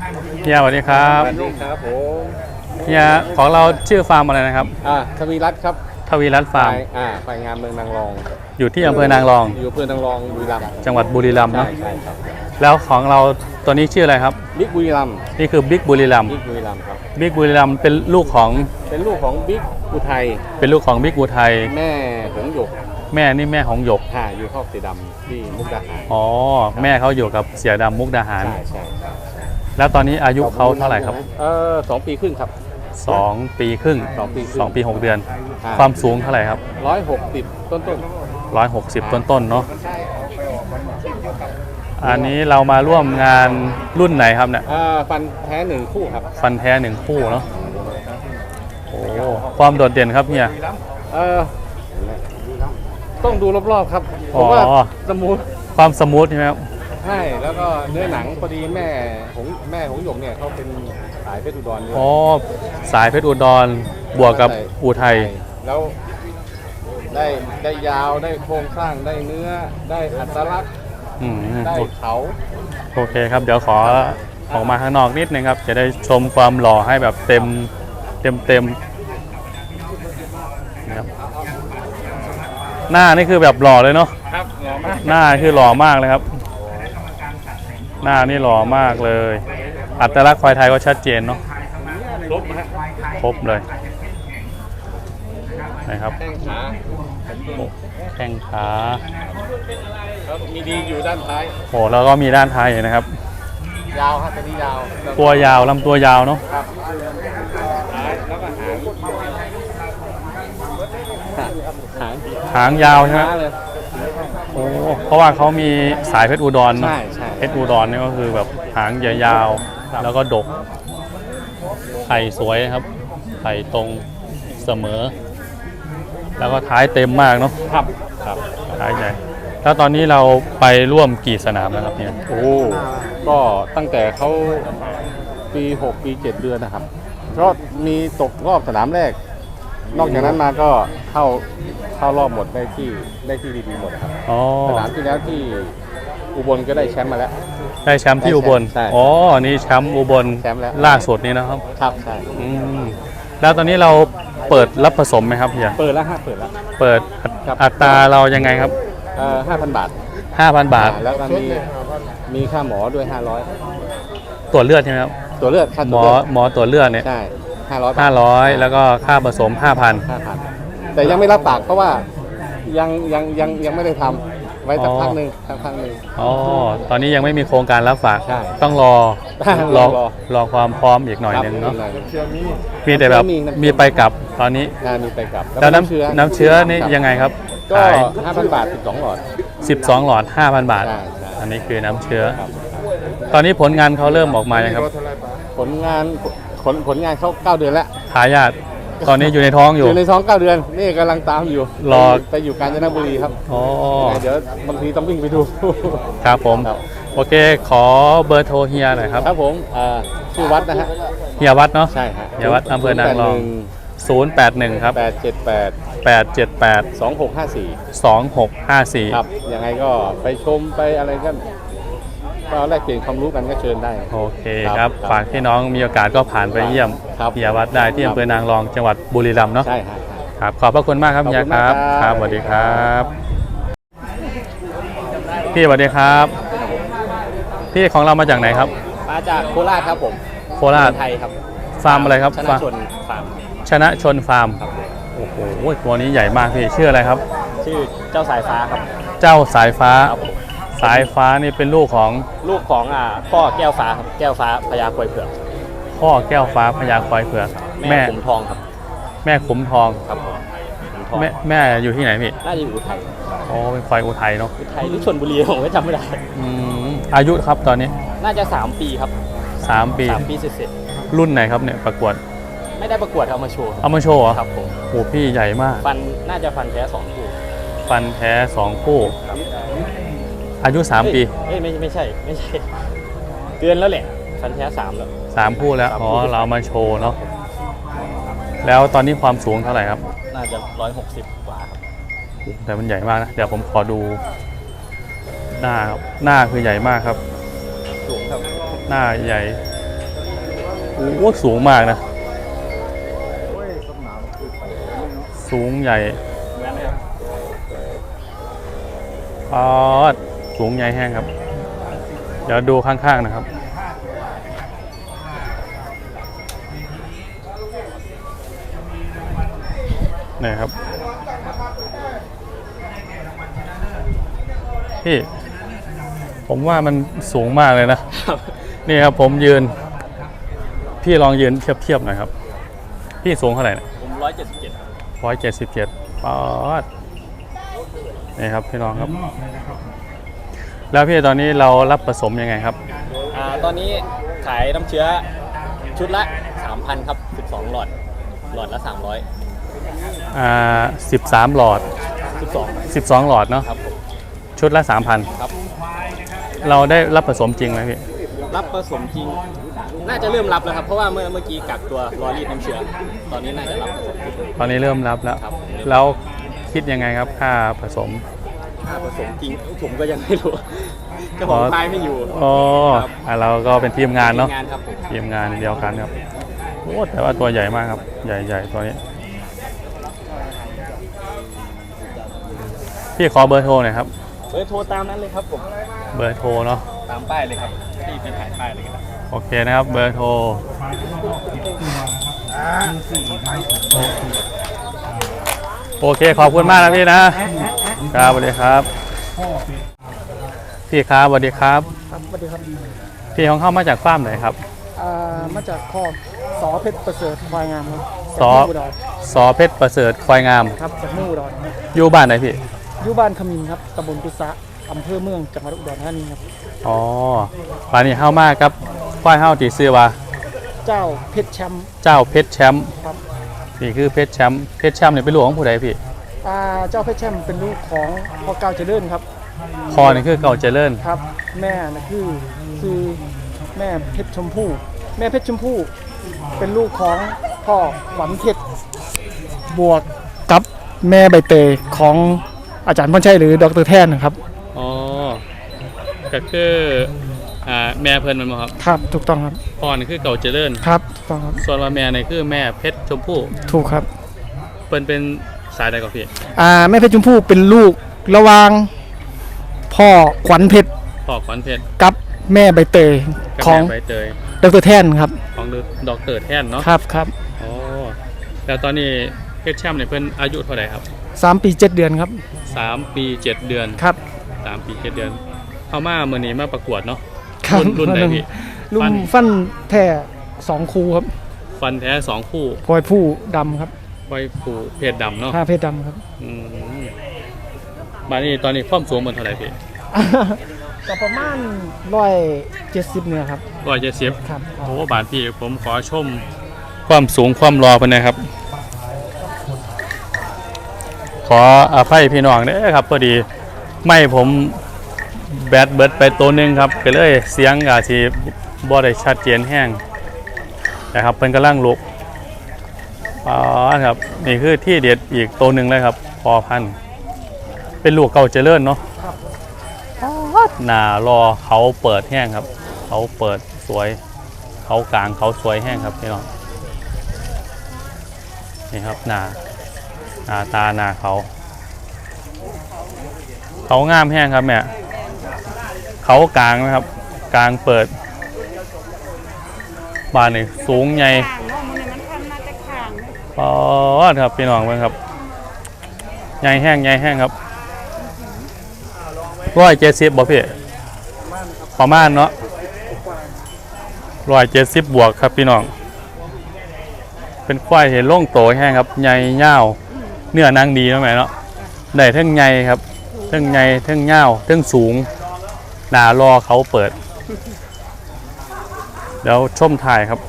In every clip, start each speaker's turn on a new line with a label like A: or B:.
A: เฮียสวัสดีครับ
B: สวัสดีครับผม
A: เฮียของเราชื่อฟาร์มอะไรนะครับ
B: ทวีรัตน์ครับ
A: ทวีรัตน์ฟาร์ม
B: ฝ่ายงานเมืองนางรอง
A: อยู่ที่อำเภอนางรอง
B: อยู่อำเภอนางรองบุรีรัมย์
A: จังหวัดบุรีรัมย์เนาะ
B: ใช่ครับ
A: แล้วของเราตัวนี้ชื่ออะไรครับ
B: บิ๊กบุรีรัมย์
A: นี่คือบิ๊กบุรีรัมย์
B: บิ๊กบุรีรัมย์ครับ
A: บิ๊กบุรีรัมย์เป็นลูกของ
B: บิ๊กอุทัย
A: เป็นลูกของบิ๊กอุทัย
B: แม่หงหยก
A: แม่นี่แม่ของหยก
B: อยู่คอกสีดำที่มุกดาหาร
A: อ๋อแม่เขาอยู่กับเสียดำมุกดาหาร
B: ใช่
A: แล้วตอนนี้อายุเขาเท่าไหร่ครับ
B: 2 ปีครึ่งครับ
A: 2 ปีครึ่ง2 ปี 6 เดือนความสูงเท่าไหร่ครับ
B: 160ต้น
A: 160ต้นเนาะอันนี้เรามาร่วมงานรุ่นไหนครับเนี่ย
B: ฟันแท้1คู่ครับ
A: ฟันแท้1คู่เนาะโอ้ความโดดเด่นครับเนี่ย
B: ต้องดูรอบๆครับผมว่าสมูท
A: ความสมูทใช่ไหมครับ
B: ใช่แล้วก็เนื้อหนังพอดีแม่ของหยกเนี่ยเขาเป็นสายเพชรอุดรด้วย
A: อ๋อสายเพชรอุดรบวกกับอุทัย
B: แล้วได้ยาวได้โครงสร้างได้เนื้อได้อัตลักษณ์ได้เขา
A: โอเคครับเดี๋ยวขอออกมาข้างนอกนิดนึงครับจะได้ชมความหล่อให้แบบเต็มนะครับหน้านี่คือแบบหล่อเลยเนาะ
B: ครับหล่อมาก
A: หน้าคือหล่อมากเลยครับหน้านี่หล่อมากเลยอัตลักษณ์ควายไทยก็ชัดเจนเนาะครบเลยนะครับแข้งขา
B: แล้วมีดีอยู่ด้านท้าย
A: โอ้แล้วก็มีด้านท้ายนะครับ
B: ยาวครับตัวนี้ยาว
A: ตัวยาวลำตัวยาวเนาะ
B: ครับแล้วก็
A: หางยาวใช่ไหมโอ้เพราะว่าเขามีสายเพชรอุดรเนาะเพชรอุดรนี่ก็คือแบบหางยาวแล้วก็ดกไข่สวยครับไข่ตรงเสมอแล้วก็ท้ายเต็มมากเนาะ
B: ครับ
A: ท้ายใหญ่แล้วตอนนี้เราไปร่วมกี่สนามแล้วครับเนี่ย
B: ก็ตั้งแต่เขาปี6 ปี 7 เดือนนะครับก็มีตกรอบสนามแรกนอกจากนั้นมาก็เข้ารอบหมดได้ที่ดีๆหมดครับสนามที่แล้วที่อุบลก็ได้แชมป์มาแล้ว
A: ได้แชมป์ที่อุบลอ๋อนี่แชมป์อุบลล่าสุดนี้นะครับ
B: ครับใช่
A: แล้วตอนนี้เราเปิดรับผสมไหมครับพี่
B: เปิดแล้ว
A: เปิดอัตราเรายังไงครับ
B: 5,000 บาท
A: 5,000 บาท
B: แล้วก็มีค่าหมอด้วย500
A: ตรวจเลือดใช่ไหมครับ
B: ตรวจเลือดค่า
A: หมอตรวจเลือดเนี่ย
B: ใช่
A: 500แล้วก็ค่าผสม
B: 5,000แต่ยังไม่รับปากเพราะว่ายังไม่ได้ทำไว้สักพักหนึ่ง
A: อ๋อตอนนี้ยังไม่มีโครงการรับฝากต้องรอความพร้อมอีกหน่อยนึงเนาะมีแต่แบบมีไปกลับตอนนี้
B: มีไปกลับ
A: แล้วน้ำเชื้อนี่ยังไงครับ
B: ก็ 5,000 บาท12 หลอด
A: 5,000 บาทอันนี้คือน้ำเชื้อตอนนี้ผลงานเขาเริ่มออกมายังครับ
B: ผลงานเขา9 เดือนแล้ว
A: ทายาทตอนนี้อยู่ในท้องอยู่
B: ในท้อง9 เดือนนี่กำลังตามอยู่รอไปอยู่กาญจนบุรีครับเดี๋ยวบางทีต้องวิ่งไปดู
A: ครับผมโอเคขอเบอร์โทรเฮียหน่อยครับ
B: ครับผมชื่อวัดนะฮะ
A: เฮียวัดเนาะ
B: ใช่ฮะ
A: เฮียวัดอำเภอนางรอง081ครับ878
B: 2654ครับยังไงก็ไปชมไปอะไรกันก็แลกเปลี่ยนความรู้กันก็เชิญได้
A: โอเคครับฝากที่น้องมีโอกาสก็ผ่านไปเยี่ยมเฮียวัดได้ที่อำเภอนางรองจังหวัดบุรีรัมย์เนาะ
B: ใช่
A: ครับขอบพระคุณมากครับเฮียครับครับสวัสดีครับพี่สวัสดีครับพี่ของเรามาจากไหนครับ
B: มาจากโคราชครับผม
A: โคราช
B: ไทยครับ
A: ฟาร์มอะไรครับ
B: ชนะชนฟาร์ม
A: ชนะชนฟาร์มโอ้โหตัวนี้ใหญ่มากพี่ชื่ออะไรครับ
B: ชื่อเจ้าสายฟ้าครับ
A: เจ้าสายฟ้าสายฟ้านี่เป็นลูกของ
B: พ่อแก้วฟ้าครับแก้วฟ้าพญาควายเผือก
A: พ่อแก้วฟ้าพญาควายเผือก
B: แม่ขุมทองครับ
A: แม่ขุมทอง
B: ครับ
A: แม่อยู่ที่ไหนพี่
B: น่าจะอยู่อุทัย
A: อ๋อเป็นควายอุทัยเนาะ
B: อุทัยหรือชลบุรีผมไม่จำไม่ได้
A: อายุครับตอนนี้
B: น่าจะ3 ปีครับ
A: 3 ปี
B: เสร็จ
A: รุ่นไหนครับเนี่ยประกวด
B: ไม่ได้ประกวดเอามาโชว์
A: เหรอ
B: ครับผม
A: โอ้พี่ใหญ่มาก
B: น่าจะฟันแท้2 คู่
A: ฟันแท้2 คู่อายุ3 ปี
B: ไม่ใช่เดือนแล้วแหละฟันแท้3 แล้ว
A: 3 คู่แล้วอ๋อเรามาโชว์เนาะแล้วตอนนี้ความสูงเท่าไหร่ครับ
B: น่าจะ160 กว่าครับ
A: แต่มันใหญ่มากนะเดี๋ยวผมขอดูหน้าคือใหญ่มากครับ
B: สูงครับ
A: หน้าใหญ่โอ้สูงมากนะสูงใหญ่สูงใหญ่แห้งครับเดี๋ยวดูข้างๆนะครับนี่ครับพี่ผมว่ามันสูงมากเลยนะนี่ครับผมยืนพี่ลองยืนเทียบหน่อยครับพี่สูงเท่าไหร่นะ
C: ผม177
A: 177ป๊าดนี่ครับพี่น้องครับแล้วพี่ตอนนี้เรารับผสมยังไงครับ
C: ตอนนี้ขายน้ำเชื้อชุดละ 3,000 ครับ12หลอดละ300
A: 13หลอด12หลอดเนาะ
C: ครับ
A: ชุดละ 3,000
C: ครับ
A: เราได้รับผสมจริงไหมพี่
C: รับผสมจริงน่าจะเริ่มรับแล้วครับเพราะว่าเมื่อกี้กักตัวรอรีดน้ำเชื้อตอนนี้น่าจะรับ
A: ตอนนี้เริ่มรับแล้ว
C: ครับ
A: แล้วคิดยังไงครับค่าผสม
C: จริงผมก็ยังไม่รู้เจ้าของค่ายไม่อยู่
A: เราก็เป็นทีมงานเนาะ
C: ทีมงานครับ
A: ทีมงานเดียวกันครับโอ้แต่ว่าตัวใหญ่มากครับใหญ่ตัวนี้พี่ขอเบอร์โทรหน่อยครับ
C: เบอร์โทรตามนั้นเลยครับผม
A: เบอร์โทรเนาะ
C: ตามป้ายเลยครับที่เป็นถ่ายป้ายเลยครับ
A: โอเคนะครับเบอร์โทรโอเคขอบคุณมากนะพี่นะครับสวัสดีครับพี่ครับสวัสดีครับ
D: ครับสวัสดีครับ
A: พี่ของเข้ามาจากฟาร์มไหนครับ
D: มาจากคอกสอเพชรประเสริฐควายงามครับ
A: สอเพชรประเสริฐควายงาม
D: ครับจากเมืองอุดร
A: อยู่บ้านไหนพี่
D: อยู่บ้านขมินครับตำบลกุษะอำเภอเมืองจังหวัดอุดรธานีครับ
A: ป่านนี้เข้ามาครับควายเข้าตีซื้อว่า
D: เจ้าเพชรแชมป์ครับ
A: นี่คือเพชรแชมป์เนี่ยเป็นลูกของผู้ใดพี่
D: เจ้าเพชรแชมป์เป็นลูกของพ่อเก่าเจริญครับ
A: พ่อนี่คือเก่าเจริญ
D: ครับแม่นี่คือแม่เพชรชมพู่เป็นลูกของพ่อขวัญเพชรบวกกับแม่ใบเตยของอาจารย์พรชัยหรือดร.แท่นนะครับ
A: ก็คือแม่เพิ่นมันครับ
D: ครับถูกต้องครับ
A: พ่อนี่คือเก่าเจริญ
D: ครับถูกต้องครับ
A: ส่วนว่าแม่นี่คือแม่เพชรชมพู่
D: ถูกครับ
A: เพิ่นเป็นสายใดกับพี่
D: แม่เพชรชมพู่เป็นลูกระหว่างพ่อขวัญเพชรกับแม่ใบเตยของดร.แท่นครับ
A: ของดร.แท่นเนาะ
D: ครับ
A: แล้วตอนนี้เพชรแชมป์เนี่ยเพิ่นอายุเท่าไหร่ครับ
D: 3 ปี 7 เดือนครับ
A: 3 ปี 7 เดือน
D: ครับ
A: 3 ปี 7 เดือนเข้ามาเมื่อนี้มาประกวดเนาะ
D: รุ่นไหนพี่รุ่นฟันแท้2คู่ครับ
A: ฟันแท้2คู่
D: พลอยผู้ดำครับ
A: พลอยผู้เพชรดำเนาะ
D: เพชรดำครับ
A: บ้านนี้ตอนนี้ความสูงมันเท่าไหร่พี่
D: ก็ประมาณ170เนี่ยครับ
A: 170ครับโอ้บาทพี่ผมขอชมความสูงความรอเพิ่นนะครับขออภัยพี่น้องเด้อครับพอดีไม่ผมแบตเบิดไปตัวนึงครับก็เลยเสียงอาจสิบ่ได้ชัดเจนแห้งนะครับเพิ่นกำลังลุกครับนี่คือที่เด็ดอีกตัวนึงเลยครับพอพันเป็นลูกเก่าเจริญเนาะหน้ารอเขาเปิดแห้งครับเขาเปิดสวยเขากลางเขาสวยแห้งครับพี่น้องนี่ครับหน้าตาหน้าเขางามแห้งครับแม่เขากลางนะครับกลางเปิดบานนี่สูงใหญ่ครับพี่น้องเพื่อนครับใหญ่แห้งครับ170บ่พี่ประมาณเนาะ170บวกครับพี่น้องเป็นควายเห็นโล่งโตแห้งครับใหญ่ยาวเนื้อนางดีนะแม่เนาะได้ทั้งใหญ่ครับทั้งใหญ่ทั้งยาวทั้งสูงหน้ารอเขาเปิดเดี๋ยวชมถ่ายครับ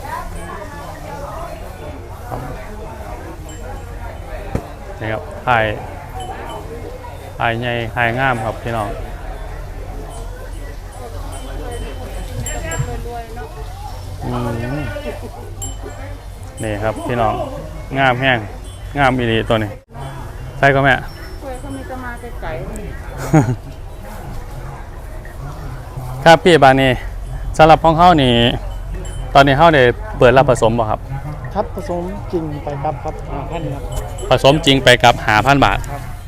A: นี่ครับถ่ายใหญ่ถ่ายงามครับพี่น้องนี่ครับพี่น้องงามแห้งงามอีหลีตัวนี้ใช่ก็แม่เขามีจะมาไกลครับพี่บานีสำหรับของเขานี่ตอนนี้เขาได้เปิดรับผสมบ่ครับ
D: ครับผสมจริงไปครับ5,000ครับ
A: ผสมจริงไปกับ5,000 บาท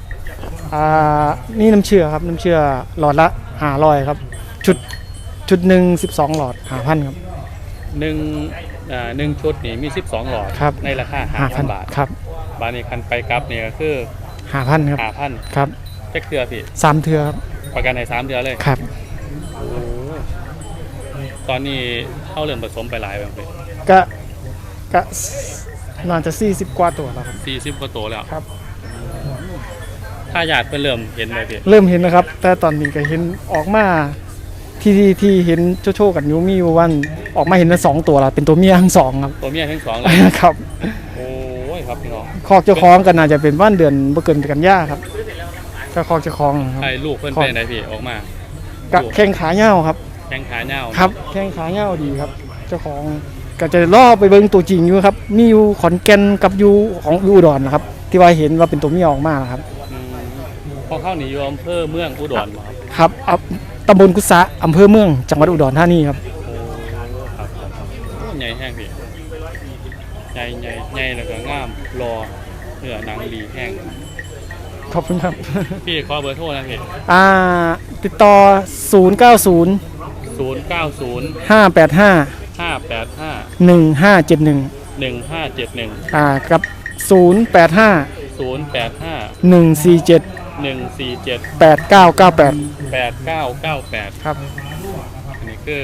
D: นี่น้ำเชื่อครับน้ำเชื่อหลอดละ500ครับชุดหนึ่ง12หลอด5,000ครับ
A: หนึ่งชุดนี่มี12หลอด
D: ครับ
A: ในราคา 5,000 บาท
D: ครับ
A: บาทนี้คันไปกลับนี่ก็คือ
D: 5,000ครับ
A: 5,000
D: ครับ
A: เจ็คเทือพี่
D: 3เทือครับ
A: ประกันให้3เดือนเลย
D: ครับ
A: ตอนนี้เข้าเรื่องผสมไปหลายแบบพี่
D: ก็น่าจะ40กว่าตัวแล้วครับ
A: 40กว่าตัวแล้ว
D: ครับ
A: ถ้าญาติเพิ่นเริ่มเห็นเลยพี่
D: เริ่มเห็นนะครับ แต่ตอนนี้ก็เห็นออกมาที่เห็นโชว์ๆกันอยู่มีวันออกมาเห็นแล้ว2ตัวแล้วเป็นตัวเมียทั้งสองครับ
A: ตัวเมียทั้งสองเลย
D: ครับ
A: โอ้ยครับพี่น้อง
D: คอกเจ้าของกันน่าจะเป็นว่านเดือนบ่เกินกันยาครับก็คอกเจ้าของครับ
A: ไอ้ลูกเพิ่นเป็นไหนพี่ออกมา
D: กะแข้งขาเหย้าครับ
A: แข้งขาเหย้า
D: ครับแข้งขาเหย้าดีครับ เจ้าของก็จะล่อไปเบิ่งตัวจริงอยู่ครับมีอยู่ขอนแก่นกับอยู่ของอุดรนะครับ ที่ว่าเห็นว่าเป็นตัวเมียออกมานะครับ
A: พอเข้าหนีอยู่อำเภอเมืองอุดรบ่ครับ
D: ครับตำบลกุสะอำเภอเมืองจังหวัดอุดรธานีครับ
A: โอ้ครับโอ้ใหญ่แห้งพี่ใหญ่แล้วก็งามรอเนื้อหนังดีแห้ง
D: ขอบคุณครับ
A: พี่ขอเบอร์โทรนะพี่
D: ติดต่อ 090
A: 090
D: 585
A: 585
D: 1571
A: 1571
D: กับ 085
A: 085
D: 147
A: 147
D: 8998
A: 8998
D: ครับ
A: อันนี้คือ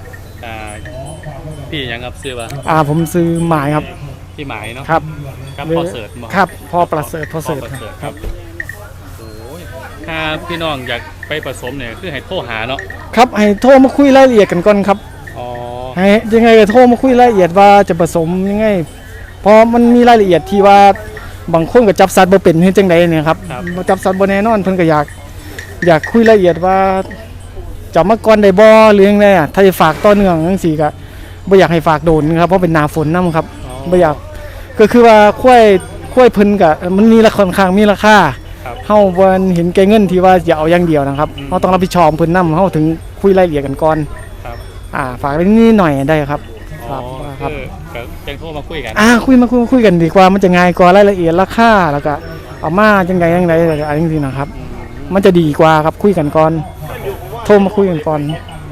A: พี่ยังครับซื้อป่ะ
D: ผมซื้อหมายครับ
A: พี่หมายเนาะ
D: ครับ
A: ครับพอเสิร์ชมา
D: ครับพอประเสริฐ
A: พอเสิร์ชครับโอ้ยถ้าพี่น้องอยากไปผสมเนี่ยคือให้โทรหาเนาะ
D: ครับให้โทรมาคุยรายละเอียดกันก่อนครับ
A: อ๋อ
D: ให้ยังไงก็โทรมาคุยรายละเอียดว่าจะผสมยังไงเพราะมันมีรายละเอียดที่ว่าบางคนก็จับสัตว์บ่เป็นเฮ็ดจังไดเนี่ยครับบ่จับสัตว์บ่แน่นอนเพิ่นก็อยากคุยรายละเอียดว่าจะมาก่อนได้บ่หรือยังไงถ้าจะฝากต่อเนื่องจังซี่ก็บ่อยากให้ฝากโดนครับเพราะเป็นหน้าฝนนํครับบ่อยากก็คือว่าควายเพิ่นก็มันมีราคาค่อนข้างมีราคาเฮาบ่เห็นแก่เงินที่ว่าจะเอาอย่างเดียวนะครับเฮาต้องรับผิดชอบเพิ่นนํเฮาถึงคุยรายละเอียดกันก่อน
A: ครับ
D: ฝากนิดหน่อยได้ครับ
A: อ๋อ
D: ครับ
A: คือก็แจ้งโทรมาคุยกัน
D: คุยกันดีกว่ามันจะง่ายกว่ารายละเอียดราคาแล้วก็เอามาจังไดอะไรจริงๆนะครับ มันจะดีกว่าครับคุยกันก่อนโทรมาคุยกันก่อน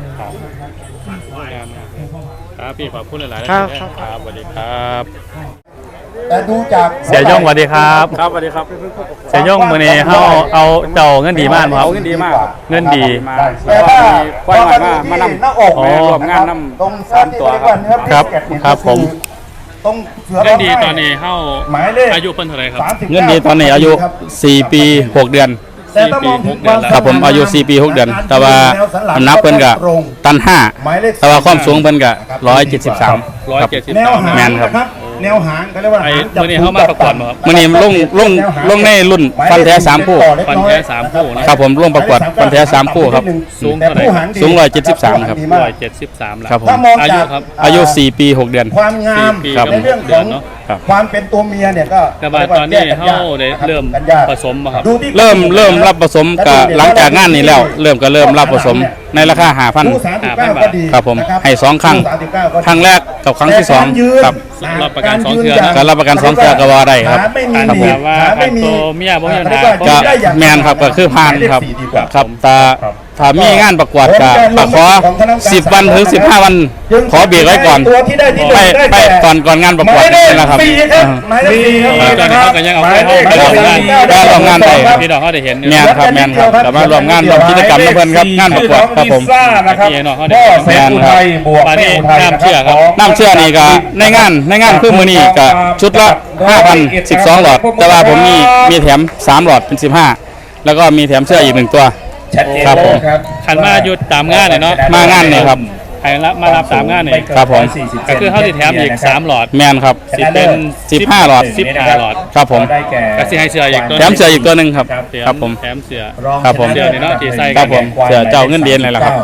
A: ครับพี่ขอบคุณหลายๆ
D: ครับ
A: ครับสวัสดีครับ
E: แต่ดูจาก
A: เสียย่งสวัสดีครับ
C: ครับสวัสดีครับ
A: เสียย่งมื้อนี้เฮาเอาเจ้าเงินดีมากบ่ครับ
C: เงินดีมากครับ
A: เงินดี
C: มา
E: แต่ว่า
C: ควายหน่อยมานำ
E: หน้าอก
A: อ๋อ
C: ร่วมงานน
E: ตรง
C: ำสามตัวครับ
A: ครับครับผม
E: ตรงเสือ
A: เงินดีตอนนี้เฮา
E: หมายเลข
A: อายุเพิ่นเท่าไหร่ครับ
E: 39
B: เงินดีตอนนี้อายุ 4 ปี 6 เดือน
E: แต่ถ้ามองถึงความ
B: ครับผมอายุ 4 ปี 6 เดือน แต่ว่าน้ำหนักเพิ่นก็ตัน
E: หมายเลข
B: 5 แต่ว่าความสูงเพิ่นก็173ครับ
E: แนว
A: 173
E: หาง
B: แม่นครับ
E: นะครับแนวหางเขาเรียกว่า
A: ไอ้
E: หางจับ
A: มื้อนี้เฮามาประกวดบ่ครับ
B: มื้อนี้ลงในรุ่นฟันแท้3คู่
A: ฟันแท้3คู่นะครับ
B: ผมลงประกวดฟันแท้3คู่ครับ
A: สูงเท่าไหร่
B: สูง173ครับ
A: 173แล้ว
B: ครับผม
E: ถ้ามอง
A: อายุ
E: จาก
A: ครับ
B: อายุ 4 ปี 6 เดือน
E: ความงาม
A: 4ปี
B: ครับ
E: ในเรื่อง
A: เดื
E: ข
A: อ
E: อน ง
A: เนาะ
B: ครับ
E: ความเป็นตัวเมียเนี่ยก็
A: แต่ว่าตอนนี้เฮาได้เริ่มผสมบ่ครับ
E: ดูที่
B: เริ่มรับผสมกับหลังจากงานนี้แล้ว เริ่มรับผสมในราคา
E: คู่
B: 5,000
E: 39ก็ดี
B: ครับผม
E: นะ
B: ให้2ครั้ง
E: คู่39ก็ดี
B: ครั้งแรกกับครั้งที่
E: แต่ารยืน
B: 2ครับ
A: รับประกันสองเทื่อนะ
B: การรับประกันสองเทื่อก็ว่าได้ครับ
E: ขาไม่มี
A: ครับ
E: หนีบ
A: ว่า
E: ขาไม่มี
A: ตัวเมียบ่มีปัญหา
B: ก็แมนครับก็คือผ่านครับ
E: เลข4ดีกว่า
B: ครับถ้ามีงานประกวดก็ขอ10 วันถึง15 วันขอเบรกไว้ก่อน
E: ตัวที่ได้ที่หนึ่งได้
B: ไป
E: แก่
B: ก่อนงานประกวด
E: หมายเลข
B: นี่นะครับ
E: 4ครับหมายเลข4ครับ
A: ตอนนี้เขาก็ยังเอา
E: หมายเลข
A: เข้าไป
B: ได้ร่วมงานได้
A: พี่น้องเขาได้เห็นอยู่
B: แมนครับแมนครับแต่มารวมงานร่วมกิจกรรมกับเพื่อนครับงานประกวดครับผม
E: นะครับ
A: พี่น้องเขา
E: พ่
A: ได้
E: อ
A: เห็น
E: แสนอุทัยบวก
A: มา
E: แม่
A: นี่
E: อุทัย
A: น้ำเชื่อครับ
B: น้ำเชื่อนี่ก็ในงานคือมื้อนี้ก็ชุดละ 5,000 12 หลอด แต่ว่าผมมีแถม3 หลอดเป็น 15 แล้วก็มีแถมเสื้ออีก 1 ตัว
E: ชัดเจน
B: ครับผม
E: ครับ
A: ขันมาหยุดตามงานเนี่ยเนาะ
B: มางานนี่ครับ
A: ใครรับมารับตามงานเนี่ย
B: ครับผม
A: ก็คือเขาติแถมอีก3หลอด
B: แมนครับ
A: สิเป็น
B: 15 หลอด
A: 15หลอด
B: ครับผม
E: ได้แก่
A: ก็สิให้เสื้ออีกตัว
B: แถมเสื้ออีกตัวหนึ่งครับ ครับผม
A: แถมเสื้อ
E: รอง
B: ครับผม
E: ชนะเลิศ
A: เดี๋ยวนี้เนาะที่ใส่
B: ครับผมเสื้อเจ้าเงินเดือนเลยล่ะครับ
A: โอ้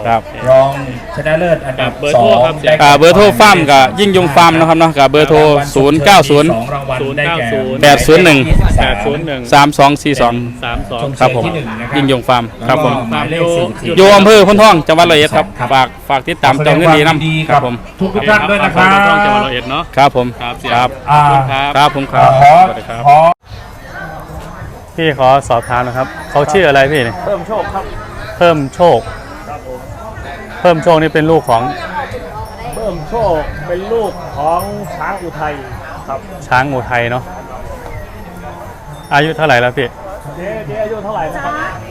B: ครับ
E: รองชนะเลิศอันดับ
A: เบอร์โทรครับ
E: ได้
A: เบอร์โทรฟาร์มกับยิ่งยงฟาร์มนะครับเนาะกับเบอร์โทร
E: สองรางวัลได้แก่
A: 801 3242 ครับผม ยิ่งยงฟาร์มครับผม
E: หมายเลข40
A: อยู่อำเภอพ้นท่องจังหวัดร้อยเอ็ดครับฝากติดตามเจ้าเงินดีน้ำครับผม
E: ทุกท่านด้วยนะครับ
A: พ้นท่องจังหวัดร้อยเอ็ดเนาะครับผมครับ
E: อ่า
A: ครับผมครับ
E: ขอ
A: สวัสดีครับ
E: ขอ
A: พี่ขอสอบถามนะครับเขาชื่ออะไรพี่เนี่ย
D: เพิ่มโชคครับ
A: เพิ่มโชค เพิ่มโชคนี่เป็นลูกของ
D: เพิ่มโชคเป็นลูกของช้างอุทัยครับ
A: ช้างอุทัยเนาะอายุเท่าไหร่แล้วพี่
D: เจ๊อายุเท่าไหร่นะครับ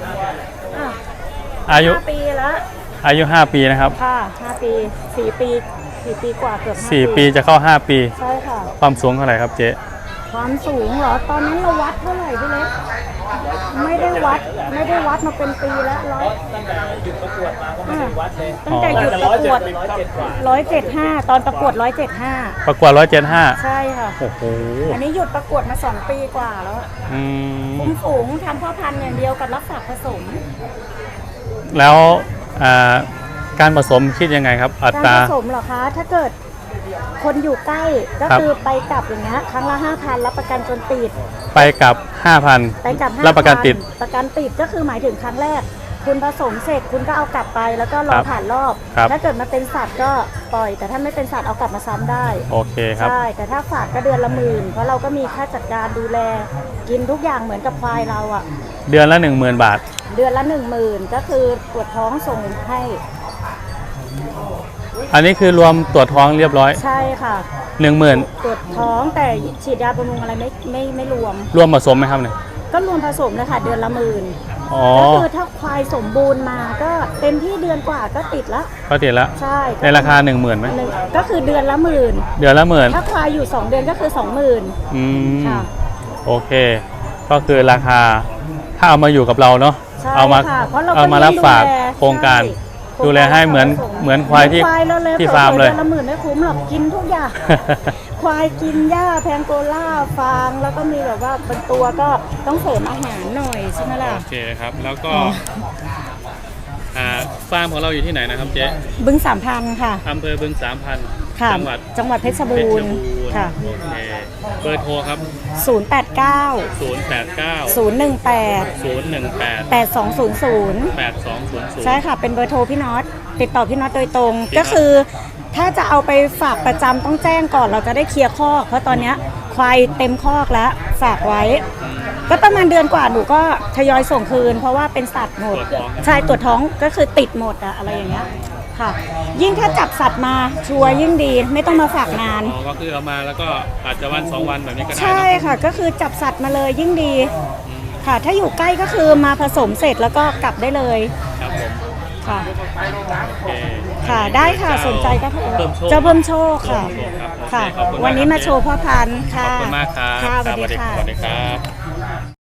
A: อายุ
F: 5 ปีแล้ว
A: อายุ 5 ปีนะครับ
F: ค่ะ5 ปี 4 ปี 4 ปีกว่าเกือบ5
A: 4 ปีจะเข้า 5 ปี
F: ใช่ค่ะ
A: ความสูงเท่าไหร่ครับเจ๊
F: ความสูงเหรอ ตอนนั้นเราวัดเท่าไหร่พี่เล็กไม่ได้วัดมาเป็นปีแล้วตั้งแต่หยุดประกวด175 ตอนประกวด175
A: ประกวด175
F: ใช่ค่ะ
A: โอ้โห
F: อันนี้หยุดประกวดมา2 ปีกว่าแล้ว
A: อืม
F: คุมฝูงทำพ่อพันธุ์อย่างเดียวกับรักษาผสม
A: แล้วการผสมคิดยังไงครับ อั
F: การ
A: ตรา
F: ผสมเหรอคะ ถ้าเกิดคนอยู่ใกล้ก็
A: ครับ
F: คือไปกลับอย่างเงี้ยครั้งละ 5,000 รับประกันจนติด
A: ไปกับ 5,000
F: ไปกลับ5,000
A: รับประกันติด
F: ประกันติดก็คือหมายถึงครั้งแรก คุณผสมเสร็จคุณก็เอากลับไปแล้วก็ร
A: ค
F: อ
A: รับ
F: ผ่านรอบ
A: ครับ
F: ถ้าเกิดมาเป็นสัตว์ก็ปล่อย แต่ถ้าไม่เป็นสัตว์เอากลับมาซ้ำได้
A: โอเคครับ
F: ใช่ แต่ถ้าฝากก็เดือนละ10,000เพราะเราก็มีค่าจัดการดูแล กินทุกอย่างเหมือนกับควายเราอะ
A: เดือนละ 10,000 บาท
F: เดือนละ10,000ก็คือตรวจท้องส่งให้
A: อันนี้คือรวมตรวจท้องเรียบร้อย
F: ใช่ค่ะ
A: 10,000
F: ตรวจท้องแต่ฉีดยาบำรุงอะไรไม่รวม
A: รวมผสมไหมครับเนี่ย
F: ก็รวมผสมเลยค่ะเดือนละ10,000
A: อ๋อ
F: ก็คือถ้าควายสมบูรณ์มาก็เต็มที่เดือนกว่าก็ติดละ
A: ก็ติดแล้ว
F: ใช่
A: ในราคา 10,000ไหม
F: ก็คือเดือนละ10,000
A: เดือนละ10,000
F: ถ้าควายอยู่ 2 เดือนก็คือ 20,000
A: อืม
F: ค่ะ
A: โอเค ก็คือราคาถ้าเอามาอยู่กับเราเนาะ
F: ใช่
A: เอามา
F: ค่ะเพราะเราก็
A: เอามารับฝาก
F: ดูแล
A: โครงการ
F: ใช่
A: ดูแลให้เหมือนควายที่
F: ควายเราเลย
A: ที่ฟาร์มเลย
F: เดือนละ10,000ไม่คุ้มหรอกกินทุกอย่าง ควายกินหญ้าแพงโกล่าฟางแล้วก็มีแบบว่าบางตัวก็ต้องเสริมอาหารหน่อยใช่ไหมล่ะ
A: โอเคครับ แล้วก็ฟาร์มของเราอยู่ที่ไหนนะครับเจ๊
F: บึง3,000ค่ะ
A: อำเภอบึง3,000
F: ค่ะ
A: จังหวัด
F: เพชร
A: เพ
F: บู
A: ชร
F: ร
A: บู
F: ณ์
A: รณ์
F: ค่ะ
A: โอเคเบอร์โทรครับ
F: 089
A: 089
F: 018
A: 018
F: 8200
A: 8200
F: ใช่ค่ะ เป็นเบอร์โทรพี่น็อตติดต่อพี่น็อตโดยตรง ก็คือถ้าจะเอาไปฝากประจำต้องแจ้งก่อนเราจะได้เคลียร์คอก เพราะตอนเนี้ยควายเต็มคอกแล้วฝากไว้ ก็ประมาณเดือนกว่าหนูก็ทยอยส่งคืน เพราะว่าเป็นสัตว์หมด
A: ตรวจท้อง
F: ใช่ตรวจท้องก็คือติดหมดอะอะไรอย่างเงี้ยค่ะ ยิ่งถ้าจับสัตว์มาชัวร์ยิ่งดีไม่ต้องมาฝากนาน
A: อ๋อก็คือเอามาแล้วก็อาจจะวัน2วันแบบนี้ก็ได้
F: ใช่
A: เนาะ
F: ค่ะ ก็คือจับสัตว์มาเลยยิ่งดี ค่ะ ถ้าอยู่ใกล้ก็คือมาผสมเสร็จแล้วก็กลับได้เลย
A: ครับผม
F: ค่ะ
A: โอเค
F: ค่ะได้ค่ะสนใจก็โทร
A: เพิ่มโชค
F: เจ้าเพิ่มโชคค่ะ
A: ครับโอเค
F: ค่ะ
A: ขอบคุณมาก
F: วันนี้มาโชว์พ่อพันธุ์
A: ข
F: ค่ะ
A: อบคุณมากครับ
F: ค่ะส
A: ส
F: วัส
A: วัส
F: ดี
A: ดี
F: ค่ะ
A: ครับ